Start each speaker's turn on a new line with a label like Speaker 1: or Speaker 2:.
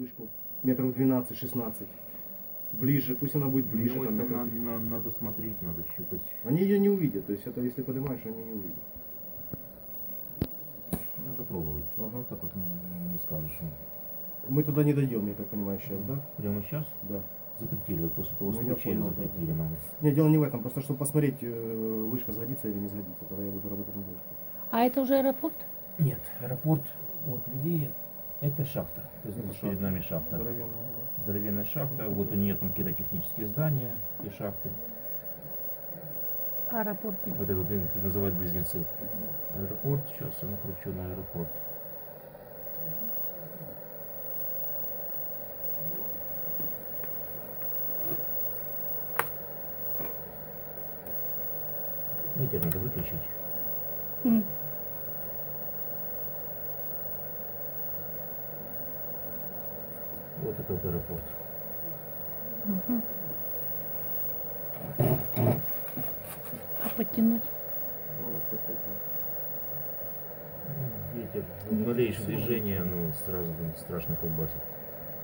Speaker 1: вышку метров 12-16. Ближе, пусть она будет ближе.
Speaker 2: Ну,
Speaker 1: Там,
Speaker 2: это
Speaker 1: метров...
Speaker 2: надо смотреть, надо щупать.
Speaker 1: Они ее не увидят, то есть это если поднимаешь, они не увидят.
Speaker 2: Надо пробовать.
Speaker 1: Ага.
Speaker 2: Так вот не скажешь.
Speaker 1: Мы туда не дойдем, я так понимаю, сейчас, да?
Speaker 2: Прямо сейчас
Speaker 1: Да.
Speaker 2: запретили, вот после того
Speaker 1: Ну, я
Speaker 2: случая
Speaker 1: понял,
Speaker 2: запретили
Speaker 1: да.
Speaker 2: нам.
Speaker 1: Нет, дело не в этом, просто чтобы посмотреть, вышка сгодится или не сгодится, тогда я буду работать на вышке.
Speaker 3: А это уже аэропорт?
Speaker 2: Нет, аэропорт вот левее, это шахта. То есть
Speaker 1: Это
Speaker 2: перед
Speaker 1: шахта.
Speaker 2: нами шахта.
Speaker 1: Здоровенная, да.
Speaker 2: Здоровенная шахта. Вот у нее там какие-то технические здания и шахты.
Speaker 3: Аэропорт.
Speaker 2: Вот это вот называют близнецы. Аэропорт, сейчас я накручу на аэропорт. Ветер надо выключить.
Speaker 3: М.
Speaker 2: Вот это вот аэропорт.
Speaker 3: Мгм. А подтянуть?
Speaker 1: Ну, вот такой вот.
Speaker 2: Ветер. Малейшее движение, ну, сразу страшно колбасит.